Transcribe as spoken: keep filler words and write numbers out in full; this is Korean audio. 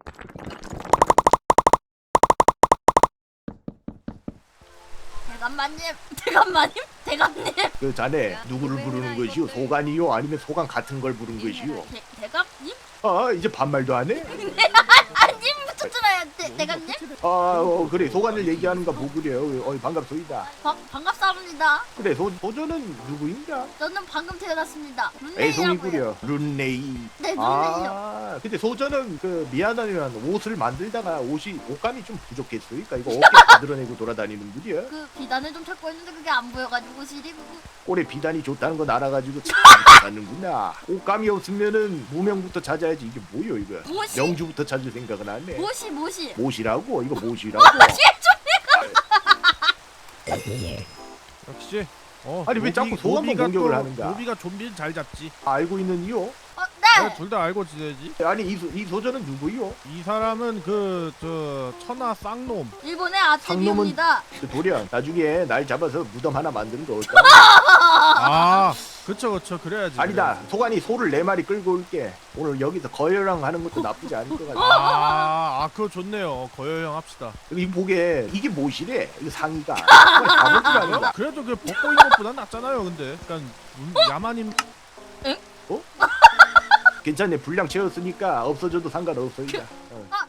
대감마님, 대감마님, 대감님. 그 자네 누구를 부르는 것이요? 소관이요? 아니면 소관 같은 걸 부른 것이요? 대, 대감님? 아 이제 반말도 안 해? 아님부터 들어야 대, 대감님? 아 어, 그래 소관을 얘기하는가 보구려. 어 반갑소이다. 바, 반갑사옵니다. 그래 소, 소저는 누구인가? 저는 방금 태어났습니다. 룬네이라고요. 애송이구려. 룬네이. 네, 룬네이요. 아 근데 소저는 그 미안하면 옷을 만들다가 옷이 옷감이 좀 부족했으니까 이거 어깨 다 드러내고 돌아다니는구려. 그 비단을 좀 찾고 있는데 그게 안 보여가지고 시리고. 올해 비단이 좋다는 건 알아가지고 참 찾는구나. 옷감이 없으면은 무명부터 찾아야지. 이게 뭐요 이거? 무엇이? 명주부터 찾을 생각은 안 해. 무엇이 무엇이? 못이라고? 이거 못이라고? 역시 어, 아니, 왜 자꾸 소감만 노비가 공격을 또- 하는가? 노비가 좀비를 잘 잡지. 알고 있는 이요? 어, 네. 둘 다 알고 지내지. 아니 이, 소, 이 소저는 누구요? 이 사람은 그 저 천하 쌍놈. 일본의 아티비입니다. 그 도련 나중에 날 잡아서 무덤 하나 만드는 거 어때? 아, 그쵸 그쵸 그래야지. 아니다. 그래야지. 소관이 소를 네 마리 끌고 올게. 오늘 여기서 거열랑 하는 것도 나쁘지 않을 것 같아. 아, 아 그거 좋네요. 거여형 합시다. 여기 보게 이게 뭐시래? 이거 상의가. 가보질 않는다. 그래도 그 벗고 있는 것보다 낫잖아요. 근데 약간 음, 야만인. 괜찮네. 분량 채웠으니까 없어져도 상관없어. 이제. 어. 아,